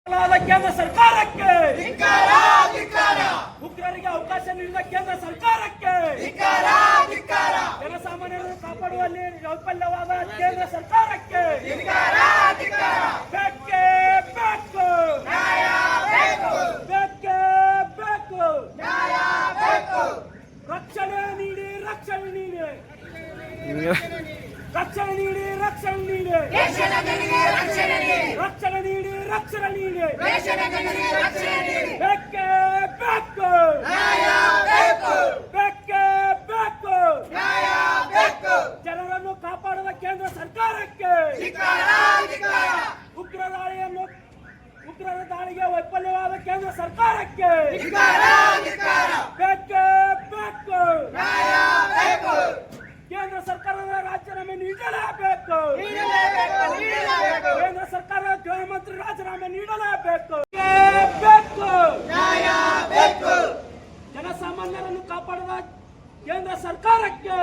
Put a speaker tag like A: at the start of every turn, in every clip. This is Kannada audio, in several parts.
A: ಕೇಂದ್ರ ಸರ್ಕಾರಕ್ಕೆ ಉಗ್ರರಿಗೆ ಅವಕಾಶ ನೀಡಿದ ಕೇಂದ್ರ ಸರ್ಕಾರಕ್ಕೆ ಜನಸಾಮಾನ್ಯರನ್ನು ಕಾಪಾಡುವಲ್ಲಿ ವೈಫಲ್ಯವಾದ ಕೇಂದ್ರ ಸರ್ಕಾರಕ್ಕೆ ಬೇಕೇ ಬೇಕು, ಬೇಕೇ ಬೇಕು, ರಕ್ಷಣೆ ನೀಡಿ, ರಕ್ಷಣೆ ನೀಡಿ, ರಕ್ಷಣೆ ನೀಡಿ, ರಕ್ಷಣೆ ನೀಡಿ, ರಕ್ಷಣೆ ನೀಡಿ, ರಕ್ಷಣೆ ನೀಡಿ, ಬೇಕೇ ಬೇಕು, ಬೇಕೇ ಬೇಕು, ಜನರನ್ನು ಕಾಪಾಡುವ ಕೇಂದ್ರ ಸರ್ಕಾರಕ್ಕೆ ಉಗ್ರರ ದಾಳಿಗೆ ವೈಫಲ್ಯವಾದ ಕೇಂದ್ರ ಸರ್ಕಾರಕ್ಕೆ ಬೇಕೇ ಬೇಕು, ಕೇಂದ್ರ ಸರ್ಕಾರದ ರಾಜೀನಾಮೆ ನೀಡಲೇಬೇಕು, ಕೇಂದ್ರ ಸರ್ಕಾರದ ಗೃಹ ಮಂತ್ರಿ ರಾಜೀನಾಮೆ ನೀಡಲೇಬೇಕು, ಜನಸಾಮಾನ್ಯರನ್ನು ಕಾಪಾಡುವ ಕೇಂದ್ರ ಸರ್ಕಾರಕ್ಕೆ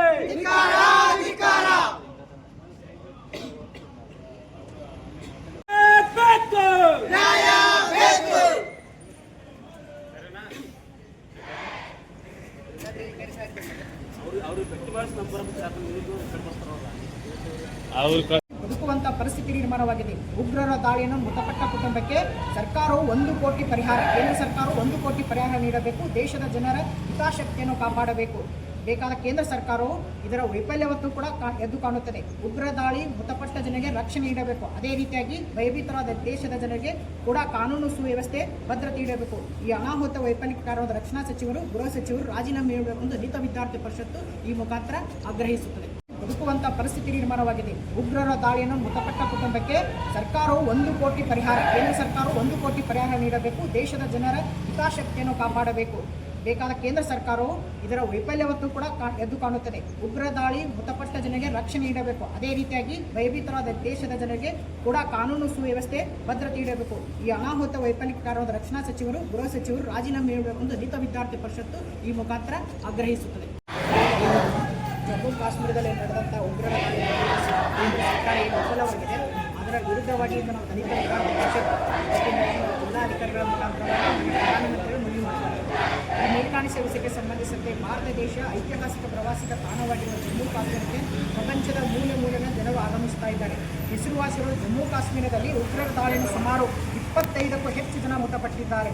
B: ಬದುಕುವಂತ ಪರಿಸ್ಥಿತಿ ನಿರ್ಮಾಣವಾಗಿದೆ. ಉಗ್ರರ ದಾಳಿಯನ್ನು ಮೃತಪಟ್ಟ ಕುಟುಂಬಕ್ಕೆ ಸರ್ಕಾರವು 1 ಕೋಟಿ ಪರಿಹಾರ, ಕೇಂದ್ರ ಸರ್ಕಾರವು 1 ಕೋಟಿ ಪರಿಹಾರ ನೀಡಬೇಕು. ದೇಶದ ಜನರ ಹಿತಾಸಕ್ತಿಯನ್ನು ಕಾಪಾಡಬೇಕು. ಬೇಕಾದ ಕೇಂದ್ರ ಸರ್ಕಾರವು ಇದರ ವೈಫಲ್ಯವತ್ತು ಕೂಡ ಎದ್ದು ಕಾಣುತ್ತದೆ. ಉಗ್ರ ದಾಳಿ ಮೃತಪಟ್ಟ ಜನರಿಗೆ ರಕ್ಷಣೆ ನೀಡಬೇಕು. ಅದೇ ರೀತಿಯಾಗಿ ಭಯಭೀತರಾದ ದೇಶದ ಜನರಿಗೆ ಕೂಡ ಕಾನೂನು ಸುವ್ಯವಸ್ಥೆ ಭದ್ರತೆ ನೀಡಬೇಕು. ಈ ಅನಾಹುತ ವೈಫಲ್ಯಕ್ಕೆ ಕಾರಣವಾದ ರಕ್ಷಣಾ ಸಚಿವರು, ಗೃಹ ಸಚಿವರು ರಾಜೀನಾಮೆ ನೀಡಬೇಕು ಎಂದು ದಲಿತ ವಿದ್ಯಾರ್ಥಿ ಪರಿಷತ್ತು ಈ ಮುಖಾಂತರ ಆಗ್ರಹಿಸುತ್ತದೆ. ಬದುಕುವಂತ ಪರಿಸ್ಥಿತಿ ನಿರ್ಮಾಣವಾಗಿದೆ. ಉಗ್ರರ ದಾಳಿಯನ್ನು ಮೃತಪಟ್ಟ ಕುಟುಂಬಕ್ಕೆ ಸರ್ಕಾರವು 1 ಕೋಟಿ ಪರಿಹಾರ, ಕೇಂದ್ರ ಸರ್ಕಾರವು 1 ಕೋಟಿ ಪರಿಹಾರ ನೀಡಬೇಕು. ದೇಶದ ಜನರ ಹಿತಾಸಕ್ತಿಯನ್ನು ಕಾಪಾಡಬೇಕು. ಬೇಕಾದ ಕೇಂದ್ರ ಸರ್ಕಾರವು ಇದರ ವೈಫಲ್ಯವತ್ತು ಕೂಡ ಎದ್ದು ಕಾಣುತ್ತದೆ. ಉಗ್ರ ದಾಳಿ ಮೃತಪಟ್ಟ ಜನರಿಗೆ ರಕ್ಷಣೆ ನೀಡಬೇಕು. ಅದೇ ರೀತಿಯಾಗಿ ಭಯಭೀತರಾದ ದೇಶದ ಜನರಿಗೆ ಕೂಡ ಕಾನೂನು ಸುವ್ಯವಸ್ಥೆ ಭದ್ರತೆ ನೀಡಬೇಕು. ಈ ಅನಾಹುತ ವೈಫಲ್ಯಕ್ಕೆ ಕಾರಣವಾದ ರಕ್ಷಣಾ ಸಚಿವರು, ಗೃಹ ಸಚಿವರು ರಾಜೀನಾಮೆ ನೀಡಬೇಕು ಎಂದು ದಲಿತ ವಿದ್ಯಾರ್ಥಿ ಪರಿಷತ್ತು ಈ ಮುಖಾಂತರ ಆಗ್ರಹಿಸುತ್ತದೆ. ಜಮ್ಮು ಕಾಶ್ಮೀರದಲ್ಲಿ ನಡೆದಂಥ ಉಗ್ರರ ದಾಳಿ ಕೇಂದ್ರ ಸರ್ಕಾರ ಏನು ವಿಫಲವಾಗಿದೆ, ಅದರ ವಿರುದ್ಧವಾಗಿ ನಾವು ದಲಿತ ವಿದ್ಯಾರ್ಥಿ ಪರಿಷತ್ ಜಿಲ್ಲಾಧಿಕಾರಿಗಳ ಮುಖಾಂತರ ಪ್ರಧಾನಮಂತ್ರಿಗಳು ಮನವಿ ಮಾಡಿದ್ದಾರೆ. ಈ ಮೇಲ್ಕಾಣಿ ಸದಸ್ಯಕ್ಕೆ ಸಂಬಂಧಿಸಿದಂತೆ ಭಾರತ ದೇಶ ಐತಿಹಾಸಿಕ ಪ್ರವಾಸಿಗ ತಾಣವಾಗಿರುವ ಜಮ್ಮು ಕಾಶ್ಮೀರಕ್ಕೆ ಪ್ರಪಂಚದ ಮೂಲೆಯಿಂದ ಜನರು ಆಗಮಿಸುತ್ತಾ ಇದ್ದಾರೆ. ಹೆಸರುವಾಸಿಗಳು ಜಮ್ಮು ಕಾಶ್ಮೀರದಲ್ಲಿ ಉಗ್ರರ ದಾಳಿಯನ್ನು ಸುಮಾರು 25ಕ್ಕೂ ಹೆಚ್ಚು ಜನ ಮೃತಪಟ್ಟಿದ್ದಾರೆ.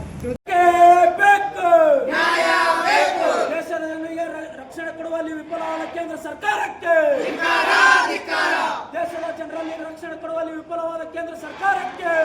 A: ದೇಶದ ಜನರಿಗೆ ರಕ್ಷಣೆ ಕೊಡುವಲ್ಲಿ ವಿಫಲವಾದ ಕೇಂದ್ರ ಸರ್ಕಾರಕ್ಕೆ, ದೇಶದ ಜನರಲ್ಲಿ ರಕ್ಷಣೆ ಕೊಡುವಲ್ಲಿ ವಿಫಲವಾದ ಕೇಂದ್ರ ಸರ್ಕಾರಕ್ಕೆ